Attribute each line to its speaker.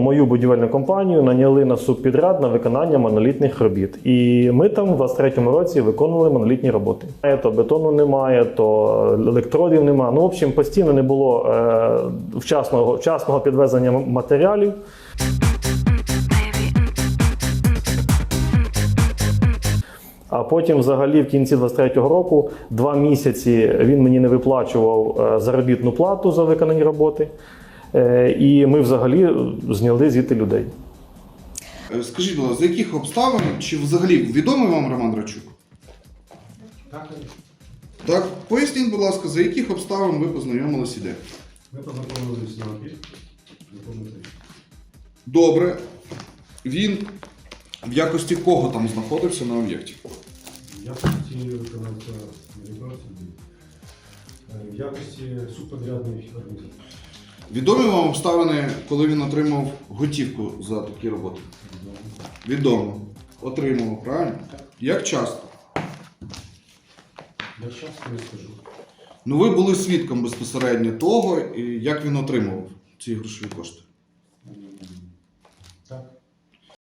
Speaker 1: мою будівельну компанію наняли на субпідряд на виконання монолітних робіт. І ми там в 23-му році виконували монолітні роботи. То бетону немає, то електродів немає. Ну, в общем, постійно не було вчасного підвезення матеріалів. А потім взагалі в кінці 23-го року 2 місяці він мені не виплачував заробітну плату за виконані роботи. І ми взагалі зняли звідти людей.
Speaker 2: Скажіть, будь ласка, за яких обставин, чи взагалі відомий вам Роман Драчук?
Speaker 3: Так,
Speaker 2: Так, поясніть, будь ласка, за яких обставин ви познайомилися і де?
Speaker 3: ми познайомилися на обід.
Speaker 2: Добре. Він в якості кого там знаходився на об'єкті?
Speaker 3: В якості виконавця виконавців, в якості субподрядної організації.
Speaker 2: Відомі вам обставини, коли він отримав готівку за такі роботи? Відомо. Отримав, правильно? Як часто?
Speaker 3: Я часто не скажу.
Speaker 2: Ну ви були свідком безпосередньо того, як він отримував ці грошові кошти.